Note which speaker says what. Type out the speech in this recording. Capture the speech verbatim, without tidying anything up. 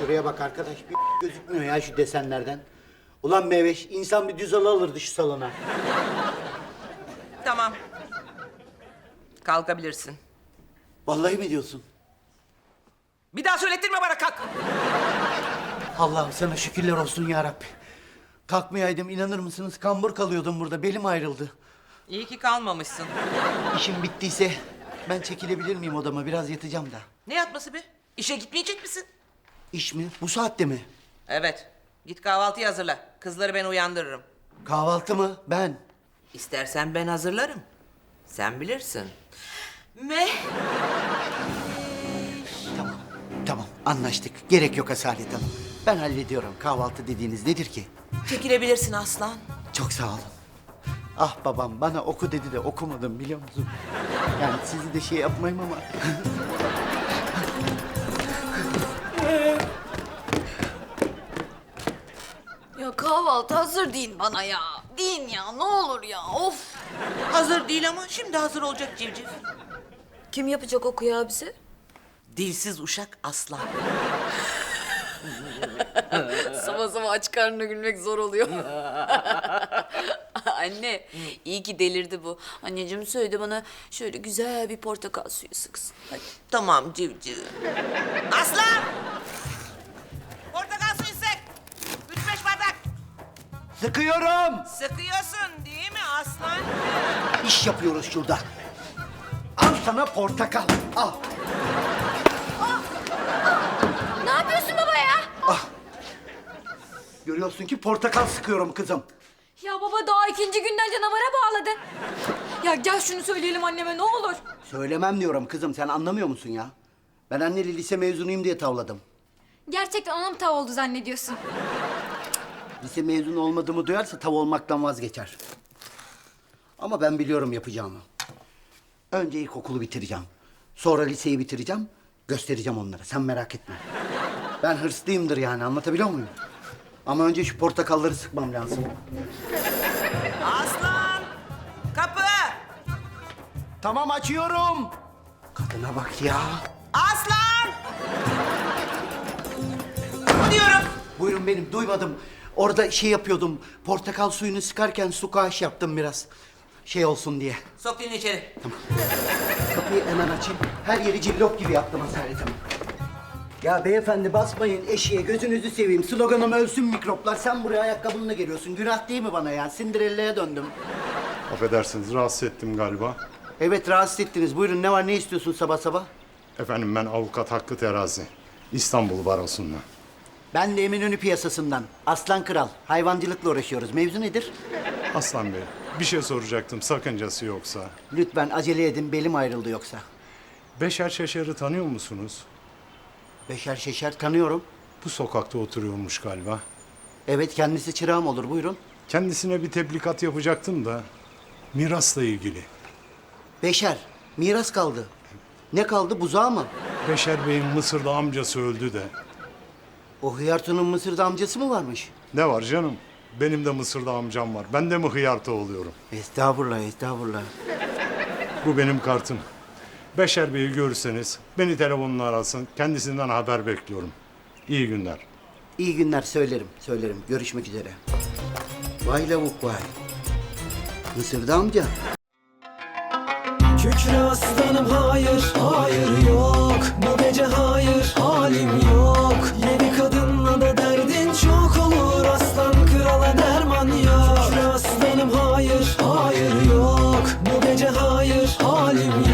Speaker 1: Şuraya bak arkadaş, bir gözükmüyor ya şu desenlerden. Ulan Meveş, insan bir düz halı alırdı şu salona.
Speaker 2: Tamam. Kalkabilirsin.
Speaker 1: Vallahi mi diyorsun?
Speaker 2: Bir daha söylettirme bana, kalk.
Speaker 1: Allah'ım sana şükürler olsun ya Rabbi. Kalkmayaydım, inanır mısınız? Kambur kalıyordum burada, belim ayrıldı.
Speaker 2: İyi ki kalmamışsın.
Speaker 1: İşim bittiyse ben çekilebilir miyim odama? Biraz yatacağım da.
Speaker 2: Ne yatması be? İşe gitmeyecek misin?
Speaker 1: İş mi? Bu saatte mi?
Speaker 2: Evet. Git kahvaltıyı hazırla. Kızları ben uyandırırım.
Speaker 1: Kahvaltı mı? Ben.
Speaker 2: İstersen ben hazırlarım. Sen bilirsin. Me.
Speaker 1: Tamam, tamam anlaştık. Gerek yok Asalet Hanım. Ben hallediyorum. Kahvaltı dediğiniz nedir ki?
Speaker 2: Çekilebilirsin aslan.
Speaker 1: Çok sağ olun. Ah babam bana oku dedi de okumadım biliyor musun? Yani sizi de şey yapmayayım ama.
Speaker 3: Ya kahvaltı hazır deyin bana ya. Deyin ya ne olur ya of.
Speaker 2: Hazır değil ama şimdi hazır olacak civciv.
Speaker 3: Kim yapacak o kıyağı bize?
Speaker 2: Dilsiz uşak aslan.
Speaker 3: Sabah sabah aç karnına gülmek zor oluyor. Anne iyi ki delirdi bu. Anneciğim söyledi bana şöyle güzel bir portakal suyu sıksın. Hadi.
Speaker 2: Tamam civciv. Aslan! Portakal suyu sık. Üç beş bardak.
Speaker 1: Sıkıyorum.
Speaker 2: Sıkıyorsun değil mi aslan?
Speaker 1: İş yapıyoruz şurada. Al sana portakal. Al.
Speaker 3: Ne yapıyorsun baba ya?
Speaker 1: Görüyorsun ki portakal sıkıyorum kızım.
Speaker 3: Ya baba daha ikinci günden canavara bağladın. Ya gel şunu söyleyelim anneme ne olur.
Speaker 1: Söylemem diyorum kızım, sen anlamıyor musun ya? Ben anneli lise mezunuyum diye tavladım.
Speaker 3: Gerçekten ona mı tav oldu zannediyorsun?
Speaker 1: Lise mezunu olmadığımı duyarsa tav olmaktan vazgeçer. Ama ben biliyorum yapacağımı. Önce ilkokulu bitireceğim. Sonra liseyi bitireceğim. Göstereceğim onlara, sen merak etme. Ben hırslıyımdır yani, anlatabiliyor muyum? Ama önce şu portakalları sıkmam lazım.
Speaker 2: Aslan! Kapı!
Speaker 1: Tamam, açıyorum. Kadına bak ya.
Speaker 2: Aslan! Diyorum.
Speaker 1: Buyurun benim, duymadım. Orada şey yapıyordum, portakal suyunu sıkarken su kaş yaptım biraz. Şey olsun diye.
Speaker 2: Sok dilini içeri.
Speaker 1: Kapıyı hemen açayım. Her yeri cillop gibi yaptım Asalet Hanım. Ya beyefendi basmayın eşiğe, gözünüzü seveyim. Sloganım ölsün mikroplar. Sen buraya ayakkabınla geliyorsun. Günah değil mi bana ya? Cinderella'ya döndüm.
Speaker 4: Affedersiniz, rahatsız ettim galiba.
Speaker 1: Evet, rahatsız ettiniz. Buyurun, ne var, ne istiyorsun sabah sabah?
Speaker 4: Efendim ben avukat Hakkı Terazi. İstanbul Barosu'ndan.
Speaker 1: Ben de Eminönü piyasasından. Aslan Kral. Hayvancılıkla uğraşıyoruz. Mevzu nedir?
Speaker 4: Aslan Bey, bir şey soracaktım sakıncası yoksa.
Speaker 1: Lütfen acele edin, belim ayrıldı yoksa.
Speaker 4: Beşer Şeşer'i tanıyor musunuz?
Speaker 1: Beşer Şeşer tanıyorum.
Speaker 4: Bu sokakta oturuyormuş galiba.
Speaker 1: Evet, kendisi çırağım olur. Buyurun.
Speaker 4: Kendisine bir tebligat yapacaktım da mirasla ilgili.
Speaker 1: Beşer, miras kaldı. Ne kaldı, buzağı mı?
Speaker 4: Beşer Bey'in Mısır'da amcası öldü de.
Speaker 1: O hıyartonun Mısır'da amcası mı varmış?
Speaker 4: Ne var canım? Benim de Mısır'da amcam var. Ben de mi hıyarta oluyorum?
Speaker 1: Estağfurullah, estağfurullah.
Speaker 4: Bu benim kartım. Beşer Bey'i görürseniz beni telefonla arasın. Kendisinden haber bekliyorum. İyi günler.
Speaker 1: İyi günler, söylerim, söylerim. Görüşmek üzere. Vay lavuk vay. Mısır'da amca.
Speaker 5: Kükre aslanım hayır, hayır yok. Bu gece hayır, halim yok. Yeni kadınla da derdin çok olur. Aslan krala derman yok. Kükre aslanım hayır, hayır yok. Bu gece hayır, halim yok.